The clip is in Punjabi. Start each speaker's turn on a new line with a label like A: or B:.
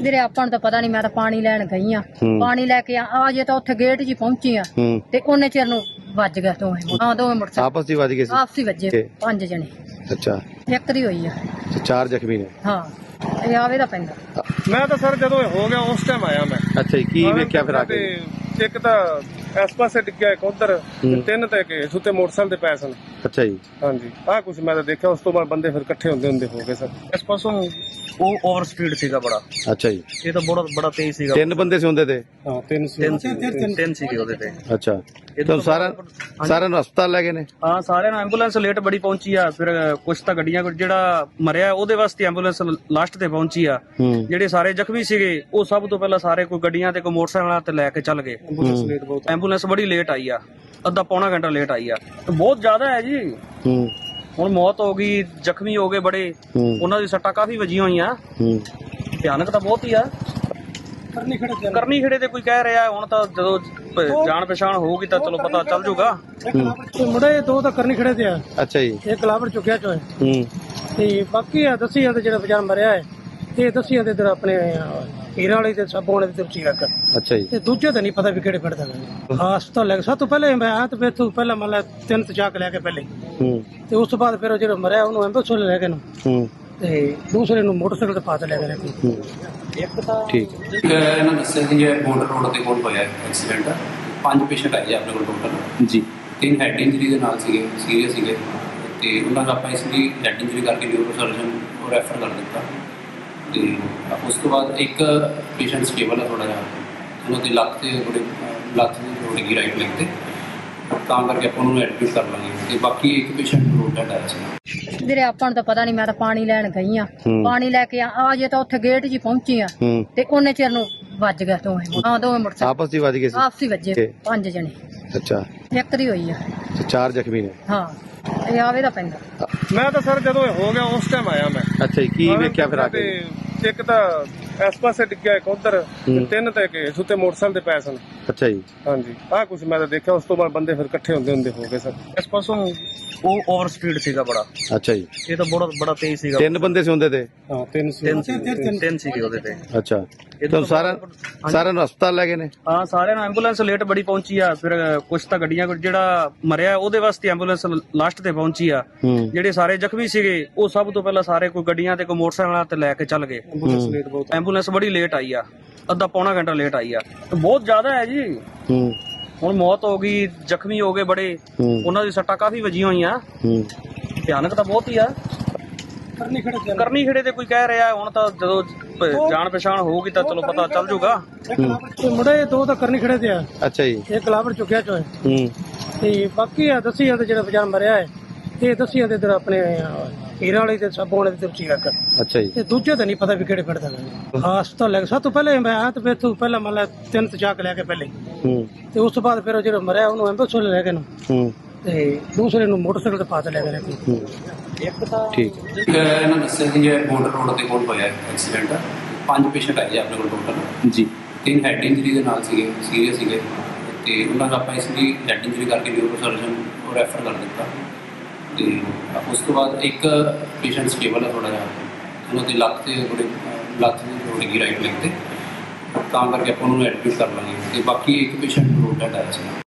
A: ਵੀਰੇ ਆਪਾਂ ਨੂੰ ਤਾਂ ਪਤਾ ਨਹੀਂ, ਮੈਂ ਤਾਂ ਪਾਣੀ ਲੈਣ ਗਈ ਆ। ਪਾਣੀ ਲੈ ਕੇ ਆ ਜੇ ਤਾਂ ਉੱਥੇ ਗੇਟ 'ਚ ਹੀ ਪਹੁੰਚੀ ਆ ਤੇ ਉਹਨੇ ਚਿਰ ਨੂੰ ਵੱਜ ਗਿਆ ਦੋਵੇਂ ਮੋਟਰਸਾਈਕਲ
B: ਆਪਸ ਵਿੱਚ ਵੱਜ ਗਏ ਸੀ।
A: ਆਪਸੀ ਵੱਜੇ 5 ਜਣੇ।
B: ਅੱਛਾ,
A: ਇੱਕ ਦੀ ਹੋਈ ਆ,
B: 4 ਜ਼ਖਮੀ ਨੇ।
A: ਹਾਂ ਇਹ ਆਵੇ ਦਾ ਪੈਂਦਾ।
C: ਮੈਂ ਤਾਂ ਸਰ ਜਦੋਂ ਹੋ ਗਿਆ ਉਸ ਟਾਈਮ ਆਇਆ ਮੈਂ।
B: ਅੱਛਾ ਜੀ, ਕੀ ਵੇਖਿਆ ਫਿਰ ਆ ਕੇ?
C: ਇੱਕ ਤਾਂ ਇਸ ਪਾਸੇ ਡਿੱਗਿਆ, ਇੱਕ ਉਧਰ, ਤਿੰਨ ਤੇ ਕੇ ਸੁੱਤੇ ਮੋਟਰਸਾਈਕਲ ਤੇ ਪੈ ਸਨ।
B: ਅੱਛਾ ਜੀ,
C: ਹਾਂਜੀ ਆਹ ਕੁਝ ਮੈਂ ਤਾਂ ਦੇਖਿਆ। ਉਸ ਤੋਂ ਬਾਅਦ ਬੰਦੇ ਫਿਰ ਇਕੱਠੇ ਹੁੰਦੇ ਹੋ ਗਏ ਸਰ।
D: ਇਸ ਪਾਸੋਂ ਉਹ ਓਵਰ ਸਪੀਡ ਸੀਗਾ ਬੜਾ।
B: ਅੱਛਾ ਜੀ,
D: ਇਹ ਤਾਂ ਬੜਾ ਤੇਜ਼ ਸੀਗਾ।
B: 3 ਬੰਦੇ ਸੀ ਹੁੰਦੇ ਤੇ।
C: ਹਾਂ
D: ਤਿੰਨ ਸੀਗੇ ਉਹਦੇ ਤੇ।
B: ਅੱਛਾ, ਤੁਹਾਨੂੰ ਸਾਰਿਆਂ ਨੂੰ ਹਸਪਤਾਲ ਲੈ ਗਏ ਨੇ?
D: ਹਾਂ ਸਾਰਿਆਂ ਨੂੰ। ਐਂਬੂਲੈਂਸ ਲੇਟ ਬੜੀ ਪਹੁੰਚੀ ਆ। ਫਿਰ ਕੁਝ ਤਾਂ ਗੱਡੀਆਂ, ਜਿਹੜਾ ਮਰਿਆ ਉਹਦੇ ਵਾਸਤੇ ਐਂਬੂਲੈਂਸ ਲਾਸਟ ਤੇ ਪਹੁੰਚੀ ਆ। ਜਿਹੜੇ ਸਾਰੇ ਜ਼ਖਮੀ ਸੀਗੇ ਉਹ ਸਭ ਤੋਂ ਪਹਿਲਾਂ ਸਾਰੇ ਕੋਈ ਗੱਡੀਆਂ ਤੇ ਕੋਈ ਮੋਟਰਸਾਈਕਲਾਂ ਤੇ ਲੈ ਕੇ ਚੱਲ ਗਏ। ਐਂਬੂਲੈਂਸ ਬੜੀ ਲੇਟ ਆਈ ਆ, ਅੱਧਾ ਪੌਣਾ ਘੰਟਾ ਲੇਟ ਆਈ ਆ। ਬਹੁਤ ਜ਼ਿਆਦਾ ਹੈ ਜੀ। ਹੁਣ ਮੌਤ ਹੋ ਗਈ, ਜ਼ਖਮੀ ਹੋ ਗਏ ਬੜੇ। ਉਹਨਾਂ ਦੀ ਸੱਟਾਂ ਕਾਫੀ ਵੱਜੀਆਂ ਹੋਈਆਂ। ਭਿਆਨਕ ਤਾਂ ਬਹੁਤ ਹੀ ਆ। ਕਰਨੀ ਖੇੜੇ ਤੇ ਕੋਈ ਕਹਿ ਰਿਹਾ। ਹੁਣ ਤਾਂ ਜਦੋਂ ਜਾਣ ਪਛਾਣ ਹੋਊਗੀ ਤਾਂ ਚਲੋ ਪਤਾ ਚੱਲ ਜੂਗਾ।
E: ਮੁੰਡੇ ਦੋ ਤਾਂ ਕਰਨੀ ਖੜੇ ਤੇ ਆ।
B: ਅੱਛਾ ਜੀ,
E: ਇਹ ਗਲਾਵਰ ਚੁੱਕਿਆ ਚੋਏ ਤੇ ਬਾਕੀ ਆ ਦੱਸੀ ਜਾਂਦੇ ਜਿਹੜਾ ਵਿਚਾਰ ਮਰਿਆ ਹੈ ਇਹ ਦੱਸੀ ਜਾਂਦੇ ਇਧਰ ਆਪਣੇ ਹੀਰਾਂ ਵਾਲੀ ਤੇ ਸਾਬੋਂ ਵਾਲੇ ਤੇ ਉੱਚੀ ਰੱਖ।
B: ਅੱਛਾ ਜੀ,
E: ਤੇ ਦੂਜੇ ਤਾਂ ਨਹੀਂ ਪਤਾ ਵੀ ਕਿਹੜੇ ਪਿੰਡ ਦਾ ਹੈ। ਹਸਪਤਾਲ ਲੈ ਕੇ ਸਭ ਤੋਂ ਪਹਿਲੇ ਮੈਂ ਆ ਤੇ ਫਿਰ ਤੋਂ ਪਹਿਲਾਂ ਮੰਨ ਲਾ 3 ਤੇ ਚਾਕ ਲੈ ਕੇ ਪਹਿਲੇ ਤੇ ਉਸ ਤੋਂ ਬਾਅਦ ਫਿਰ ਉਹ ਜਿਹੜਾ ਮਰਿਆ ਉਹਨੂੰ ਐਂਬੂਲੈਂਸ ਲੈ ਕੇ ਨੂੰ ਤੇ ਦੂਸਰੇ ਨੂੰ ਮੋਟਰਸਾਈਕਲ ਤੇ ਪਾਤ ਲੈ ਗਏ।
D: ਇੱਕ ਤਾਂ
B: ਠੀਕ।
F: ਇਹਨਾਂ ਦੱਸਿਆ ਕਿ ਇਹ ਬੋਰਡਰ ਰੋਡ ਦੇ ਕੋਲ ਹੋਇਆ ਐਕਸੀਡੈਂਟ। 5 ਪੇਸ਼ੈਂਟ ਆਏ ਆਪਣੇ ਕੋਲ ਟੋਟਲ ਜੀ। 3 ਹੈਡ ਇੰਜਰੀ ਦੇ ਨਾਲ ਸੀਗੇ, ਸੀਰੀਅਸ ਸੀਗੇ ਤੇ ਉਹਨਾਂ ਦਾ ਆਪਾਂ ਇਸ ਲਈ ਹੈਡ ਇੰਜਰੀ ਕਰਕੇ ਨਿਊਰੋ ਸਰਜਨ ਨੂੰ ਰੈਫਰ ਕਰ ਦਿੱਤਾ। ਤੇ ਉਸ ਤੋਂ ਬਾਅਦ ਇੱਕ ਪੇਸ਼ੈਂਟ ਸਟੇਬਲ ਹੈ ਥੋੜਾ ਜਿਹਾ। ਉਹਨਾਂ ਦੀ ਲੱਤ ਦੀ ਥੋੜੀ ਜਿਹੀ ਰਾਈਟ ਲੈਗ ਤੇ, ਤਾਂ ਕਰਕੇ ਆਪਾਂ ਉਹਨੂੰ ਐਡਮਿਟ ਕਰ ਲਾਂਗੇ। ਤੇ ਬਾਕੀ ਇੱਕ ਪੇਸ਼ੈਂਟ ਰੋਡ ਡੈਡ ਆਇਆ ਸੀ।
A: ਵੀਰੇ ਆਪਾਂ ਨੂੰ ਤਾਂ ਪਤਾ ਨਹੀਂ, ਮੈਂ ਤਾਂ ਪਾਣੀ ਲੈਣ ਗਈ ਆ। ਪਾਣੀ ਲੈ ਕੇ ਆ ਜੇ ਤਾਂ ਉੱਥੇ ਗੇਟ 'ਚ ਹੀ ਪਹੁੰਚੀ ਆ ਤੇ ਉਹਨੇ ਚਿਰ ਨੂੰ ਵੱਜ ਗਿਆ ਦੋਵੇਂ ਮੋਟਰਸਾਈਕਲ
B: ਆਪਸ ਵਿੱਚ ਵੱਜ ਗਏ ਸੀ।
A: ਆਪਸੀ ਵੱਜੇ 5 ਜਣੇ।
B: ਅੱਛਾ,
A: ਇੱਕ ਦੀ ਹੋਈ ਆ,
B: 4 ਜ਼ਖਮੀ ਨੇ।
A: ਹਾਂ ਇਹ ਆਵੇ ਦਾ ਪੈਂਦਾ।
C: ਮੈਂ ਤਾਂ ਸਰ ਜਦੋਂ ਹੋ ਗਿਆ ਉਸ ਟਾਈਮ ਆਇਆ ਮੈਂ।
B: ਅੱਛਾ ਜੀ, ਕੀ ਵੇਖਿਆ ਫਿਰ ਆ ਕੇ?
C: ਇੱਕ ਤਾਂ ਇਸ ਪਾਸੇ ਡਿੱਗਿਆ, ਇੱਕ ਉਧਰ, ਤਿੰਨ ਤੇ ਕੇ ਸੁੱਤੇ ਮੋਟਰਸਾਈਕਲ ਤੇ ਪੈ ਸਨ।
B: ਅੱਛਾ ਜੀ,
C: ਹਾਂਜੀ ਆਹ ਕੁਝ ਮੈਂ ਤਾਂ ਦੇਖਿਆ। ਉਸ ਤੋਂ ਬਾਅਦ ਬੰਦੇ ਫਿਰ ਇਕੱਠੇ ਹੁੰਦੇ ਹੋ ਗਏ ਸਰ।
D: ਇਸ ਪਾਸੋਂ ਉਹ ਓਵਰ ਸਪੀਡ ਸੀਗਾ ਬੜਾ।
B: ਅੱਛਾ ਜੀ,
D: ਇਹ ਤਾਂ ਬੜਾ ਤੇਜ਼ ਸੀਗਾ।
B: 3 ਬੰਦੇ ਸੀ ਹੁੰਦੇ ਤੇ।
C: ਹਾਂ
D: ਤਿੰਨ ਸੀਗੇ ਉਹਦੇ ਤੇ।
B: ਅੱਛਾ, ਤੁਹਾਨੂੰ ਸਾਰਿਆਂ ਨੂੰ ਹਸਪਤਾਲ ਲੈ ਗਏ ਨੇ?
D: ਹਾਂ ਸਾਰਿਆਂ ਨੂੰ। ਐਂਬੂਲੈਂਸ ਲੇਟ ਬੜੀ ਪਹੁੰਚੀ ਆ। ਫਿਰ ਕੁਝ ਤਾਂ ਗੱਡੀਆਂ, ਜਿਹੜਾ ਮਰਿਆ ਉਹਦੇ ਵਾਸਤੇ ਐਂਬੂਲੈਂਸ ਲਾਸਟ ਤੇ ਪਹੁੰਚੀ ਆ। ਜਿਹੜੇ ਸਾਰੇ ਜ਼ਖਮੀ ਸੀਗੇ ਉਹ ਸਭ ਤੋਂ ਪਹਿਲਾਂ ਸਾਰੇ ਕੋਈ ਗੱਡੀਆਂ ਤੇ ਕੋਈ ਮੋਟਰਸਾਈਕਲਾਂ ਤੇ ਲੈ ਕੇ ਚੱਲ ਗਏ। ਐਂਬੂਲੈਂਸ ਬੜੀ ਲੇਟ ਆਈ ਆ, ਅੱਧਾ ਪੌਣਾ ਘੰਟਾ ਲੇਟ ਆਈ ਆ। ਬਹੁਤ ਜ਼ਿਆਦਾ ਹੈ ਜੀ। ਹੁਣ ਮੌਤ ਹੋ ਗਈ, ਜ਼ਖਮੀ ਹੋ ਗਏ ਬੜੇ। ਉਹਨਾਂ ਦੀ ਸੱਟਾਂ ਕਾਫੀ ਵੱਜੀਆਂ ਹੋਈਆਂ। ਭਿਆਨਕ ਤਾਂ ਬਹੁਤ ਹੀ ਆ। ਕਰਨੀ ਖੇੜੇ ਤੇ ਕੋਈ ਕਹਿ ਰਿਹਾ। ਹੁਣ ਤਾਂ ਜਦੋਂ ਜਾਣ ਪਛਾਣ ਹੋਊਗੀ ਤਾਂ ਚਲੋ ਪਤਾ ਚੱਲ ਜੂਗਾ।
E: ਮੁੰਡੇ ਦੋ ਤਾਂ ਕਰਨੀ ਖੜੇ ਤੇ ਆ।
B: ਅੱਛਾ ਜੀ,
E: ਇਹ ਗਲਾਵਰ ਚੁੱਕਿਆ ਚੋਏ ਤੇ ਬਾਕੀ ਆ ਦੱਸੀ ਜਾਂਦੇ ਜਿਹੜਾ ਵਿਚਾਰ ਮਰਿਆ ਹੈ ਇਹ ਦੱਸੀ ਜਾਂਦੇ ਇਧਰ ਆਪਣੇ ਹੀਰਾਂ ਵਾਲੀ ਤੇ ਸਾਬੋਂ ਵਾਲੇ ਤੇ ਉੱਚੀ ਰੱਖ।
B: ਅੱਛਾ ਜੀ,
E: ਤੇ ਦੂਜੇ ਤਾਂ ਨਹੀਂ ਪਤਾ ਵੀ ਕਿਹੜੇ ਪਿੰਡ ਦਾ ਹੈ। ਹਸਪਤਾਲ ਲੈ ਕੇ ਸਭ ਤੋਂ ਪਹਿਲੇ ਮੈਂ ਆ ਤੇ ਫਿਰ ਤੋਂ ਪਹਿਲਾਂ ਮੰਨ ਲਾ 3 ਤੇ ਚਾਕ ਲੈ ਕੇ ਪਹਿਲੇ ਤੇ ਉਸ ਤੋਂ ਬਾਅਦ ਫਿਰ ਉਹ ਜਿਹੜਾ ਮਰਿਆ ਉਹਨੂੰ ਐਂਬੂਲੈਂਸ ਲੈ ਕੇ ਨੂੰ ਤੇ ਦੂਸਰੇ ਨੂੰ ਮੋਟਰਸਾਈਕਲ ਤੇ ਪਾਤ ਲੈ ਗਏ।
D: ਇੱਕ ਤਾਂ
B: ਠੀਕ।
F: ਇਹਨਾਂ ਦੱਸਿਆ ਕਿ ਇਹ ਬੋਰਡਰ ਰੋਡ ਦੇ ਕੋਲ ਹੋਇਆ ਐਕਸੀਡੈਂਟ। 5 ਪੇਸ਼ੈਂਟ ਆਏ ਆਪਣੇ ਕੋਲ ਟੋਟਲ ਜੀ। 3 ਹੈਡ ਇੰਜਰੀ ਦੇ ਨਾਲ ਸੀਗੇ, ਸੀਰੀਅਸ ਸੀਗੇ ਤੇ ਉਹਨਾਂ ਦਾ ਆਪਾਂ ਇਸ ਲਈ ਹੈਡ ਇੰਜਰੀ ਕਰਕੇ ਨਿਊਰੋ ਸਰਜਨ ਨੂੰ ਰੈਫਰ ਕਰ ਦਿੱਤਾ। ਤੇ ਉਸ ਤੋਂ ਬਾਅਦ ਇੱਕ ਪੇਸ਼ੈਂਟ ਸਟੇਬਲ ਹੈ ਥੋੜਾ ਜਿਹਾ। ਉਹਨਾਂ ਦੀ ਲੱਤ ਦੀ ਥੋੜੀ ਜਿਹੀ ਰਾਈਟ ਲੈਗ ਤੇ, ਤਾਂ ਕਰਕੇ ਆਪਾਂ ਉਹਨੂੰ ਐਡਮਿਟ ਕਰ ਲਾਂਗੇ। ਤੇ ਬਾਕੀ ਇੱਕ ਪੇਸ਼ੈਂਟ ਰੋਡ ਡੈਡ ਆਇਆ ਸੀ।